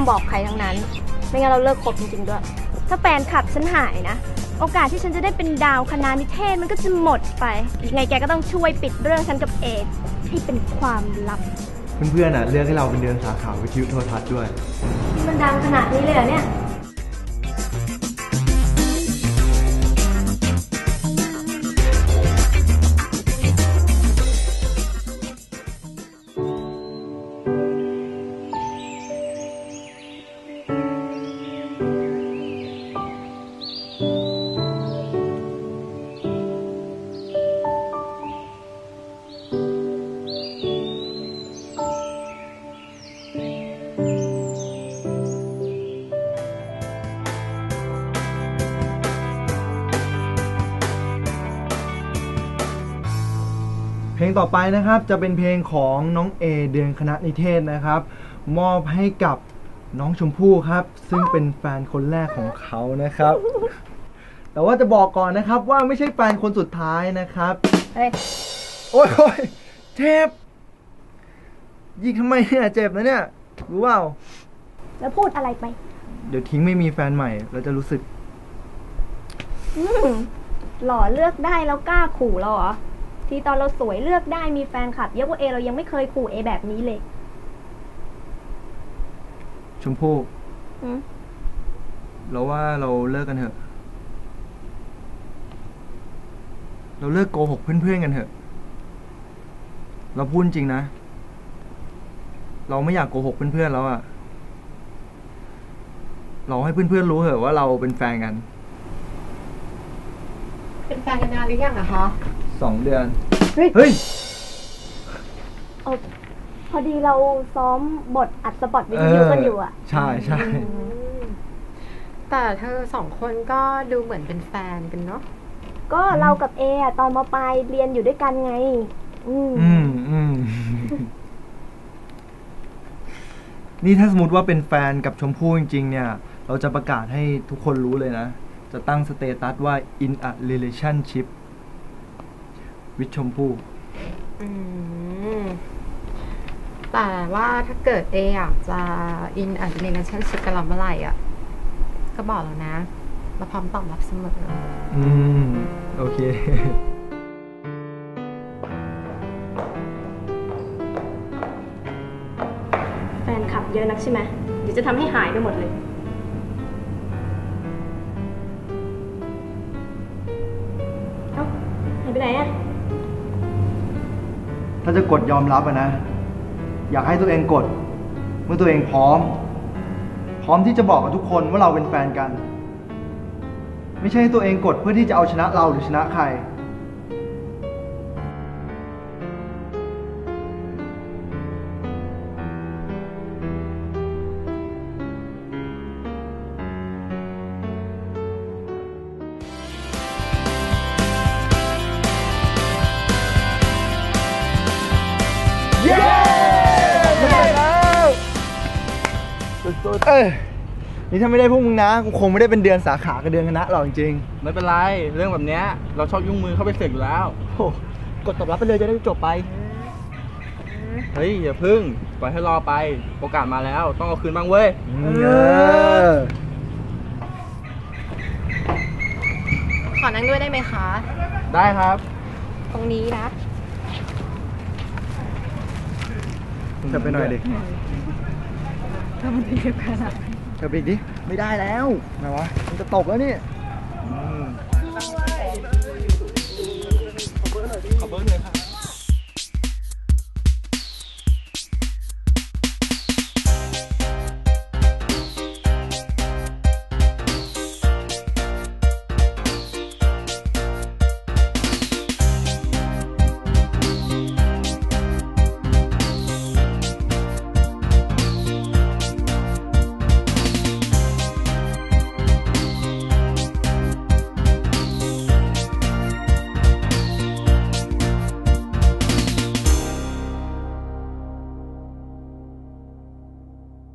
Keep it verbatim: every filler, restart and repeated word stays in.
ามบอกใครทั้งนั้นไม่งั้นเราเลิกคบจริงๆด้วยถ้าแฟนคลับฉันหายนะโอกาสที่ฉันจะได้เป็นดาวคณะนิเทศมันก็จะหมดไปยังไงแกก็ต้องช่วยปิดเรื่องฉันกับเอให้เป็นความลับเพื่อนๆอ่ะเลือกให้เราเป็นเดือนสาขาวิทยุโทรทัศน์ด้วยมันดังขนาดนี้เลยเหรอเนี่ยเพลงต่อไปนะครับจะเป็นเพลงของน้องเอเดือนคณะนิเทศนะครับมอบให้กับน้องชมพู่ครับซึ่งเป็นแฟนคนแรกของเขานะครับแต่ว่าจะบอกก่อนนะครับว่าไม่ใช่แฟนคนสุดท้ายนะครับเฮ้ยโอ๊ยโอ๊ยเจ็บยิงทำไมเนี่ยเจ็บนะเนี่ยรู้เปล่าแล้วพูดอะไรไปเดี๋ยวทิ้งไม่มีแฟนใหม่เราจะรู้สึกหล่อเลือกได้แล้วกล้าขู่เราเหรอที่ตอนเราสวยเลือกได้มีแฟนคลับเยอะกว่าเอเรายังไม่เคยขู่เอแบบนี้เลยชมพู่เราว่าเราเลิกกันเถอะเราเลิกโกหกเพื่อนๆกันเถอะเราพูดจริงนะเราไม่อยากโกหกเพื่อนๆแล้วอะเราให้เพื่อนๆรู้เถอะว่าเราเป็นแฟนกันเป็นแฟนกันนานหรือยังอะคะสองเดือนเฮ้ยเฮ้ยพอดีเราซ้อมบทอัดสปอตวิดีโอกันอยู่อะใช่ใช่แต่เธอสองคนก็ดูเหมือนเป็นแฟนกันเนาะก็เรากับเออะตอนม.ปลายเรียนอยู่ด้วยกันไงอืมอืมอืมนี่ถ้าสมมติว่าเป็นแฟนกับชมพู่จริงๆเนี่ยเราจะประกาศให้ทุกคนรู้เลยนะจะตั้งสเตตัสว่า in a relationship with ชมพู่แต่ว่าถ้าเกิดเออยากจะ in a relationship กับเราเมื่อไหร่อ่ะก็บอกเรานะเราพร้อมตอบรับเสมออืมโอเคแฟนคลับเยอะนักใช่ไหมเดี๋ยวจะทำให้หายไปหมดเลยเอ้าหายไปไหนอะถ้าจะกดยอมรับอะนะอยากให้ตัวเองกดเมื่อตัวเองพร้อมพร้อมที่จะบอกกับทุกคนว่าเราเป็นแฟนกันไม่ใช่ตัวเองกดเพื่อที่จะเอาชนะเราหรือชนะใครเออนี่ถ้าไม่ได้พวกมึงนะกูคงไม่ได้เป็นเดือนสาขากับเดือนคณะหรอกจริงๆไม่เป็นไรเรื่องแบบนี้เราชอบยุ่งมือเข้าไปเสกอยู่แล้วโอ้กดตอบรับไปเลยจะได้จบไปเฮ้ยอย่าพึ่งปล่อยให้รอไปโอกาสมาแล้วต้องเอาคืนบ้างเว้ยเออขอนั่งด้วยได้ไหมคะได้ครับตรงนี้นะจะไปหน่อยดิถ้ามันจะเก็บขนาดเธอไปดิไม่ได้แล้วไงวะมันจะตกแล้วนี่ขอเบอร์หน่อยดิขอเบอร์หน่อยครับ